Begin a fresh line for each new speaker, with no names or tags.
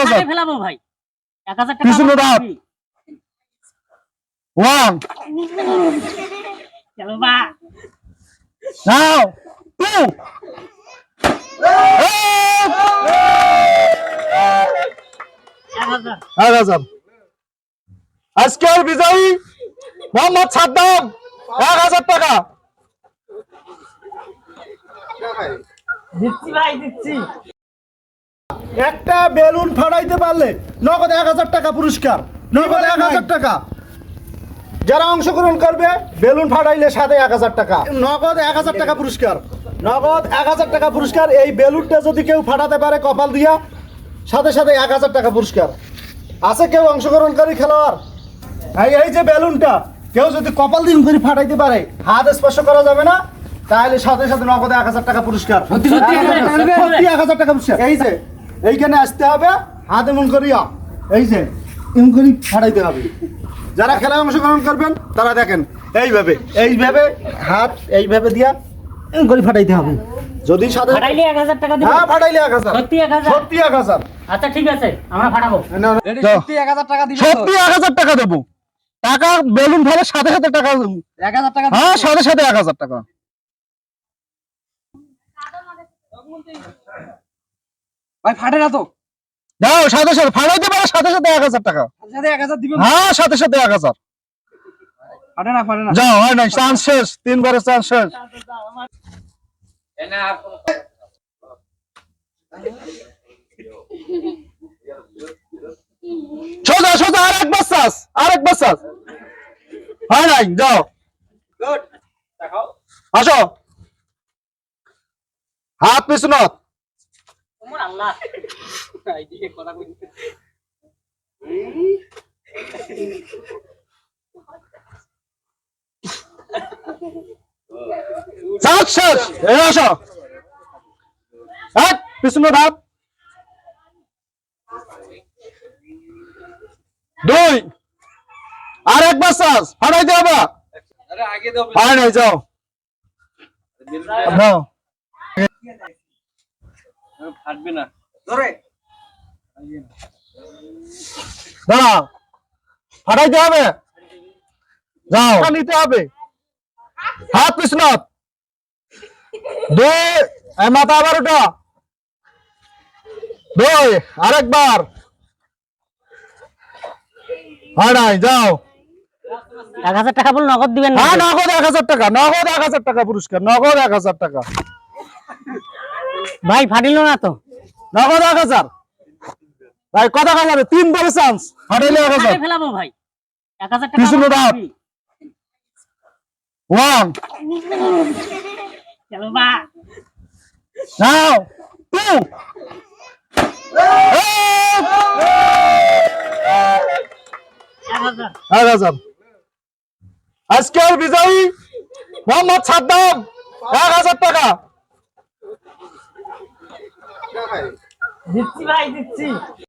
ফেলাবো ভাই 1000 টাকা
পিছনে দাঁত। 1
চলো বা
নাও 2 1000 আজকের বিজয়ী মোহাম্মদ সাদ্দাম 1000 টাকা
দিচ্ছি ভাই দিচ্ছি।
একটা বেলুন ফাটাইতে পারলে নগদ 1000 টাকা পুরস্কার, নগদ 1000 টাকা। যারা অংশগ্রহণ করবে বেলুন ফাটাইলে সাথে 1000 টাকা, নগদ 1000 টাকা পুরস্কার, নগদ 1000 টাকা পুরস্কার। এই বেলুনটা যদি কেউ ফাটাতে পারে কপাল দিয়া, সাথে সাথে 1000 টাকা পুরস্কার। আছে কেউ অংশগ্রহণকারী খেলোয়াড়? এই যে বেলুনটা কেউ যদি কপাল দিন করে ফাটাইতে পারে, হাত স্পর্শ করা যাবে না, তাহলে সাথে সাথে নগদে 1000 টাকা পুরস্কার, সত্যি 1000 টাকা পুরস্কার। এই যে এইখানে আসতে হবে, হাত এমন করিয়া এই যে এমন করে ফাটাইতে হবে। যারা খেলায় অংশগ্রহণ করবেন তারা দেখেন এইভাবে এইভাবে হাত এইভাবে দিয়া এমন করে ফাটাইতে হবে। যদি সাথে
ফাটাইলে 1000 টাকা দিবেন?
হ্যাঁ ফাটাইলে 1000,
সত্যি 1000?
সত্যি 1000।
আচ্ছা ঠিক আছে আমরা ফাটাবো।
সত্যি 1000 টাকা দিবেন? সত্যি 1000 টাকা দেবো। টাকা বেলুন ফেলে সাথে সাথে টাকা 1000 টাকা। হ্যাঁ সাথে সাথে 1000 টাকা।
ভাই ফাটে না তো?
দাও সাথে সাথে ফাটাইতে পারে সাথে সাথে 1000 টাকা।
সাথে 1000 দিবেন?
হ্যাঁ সাথে সাথে 1000।
ফাটে না ফাটে না।
যাও হয় না, চান্স শেষ, 3 বারের চান্স শেষ। সোজা সোজা আরেকবার চান্স, আরেকবার চান্স। হয় নাই, যাও
গুড দেখাও।
আসো, হাত পিছনত।
তোমার আল্লাহ
এইদিকে কথা কই।
চান্স শেষ। এই আসো, হাত পিছনত, হাত 2 আরেকবার চান্স, ফাটাইতে হবে।
আরে আগে দাও।
হয় নাই, যাও নাও।
ফাটবে না। ধরে
দাঁড়াও, ফাটাইতে হবে, যাও নিতে হবে। হাত পিছনত, 2 মাথা আবার ওটা 2 আরেকবার। হয় নাই, যাও।
1000 টাকা বল নগদ দিবেন না?
হ্যাঁ নগদ 1000 টাকা, নগদ 1000 টাকা পুরস্কার, নগদ 1000 টাকা,
ভাই ফাটিল না তো?
নগদ 1000। ভাই কথা কথা 3 বারে চান্স, ফাটাইলে 1000।
ফেলাবো ভাই 1000 টাকা।
পিছনে দাঁত। 1
চলো বা
নাও 2 1000। আজকের বিজয়ী মোহাম্মদ সাদ্দাম 1000 টাকা।
দিচ্ছি ভাই দিচ্ছি।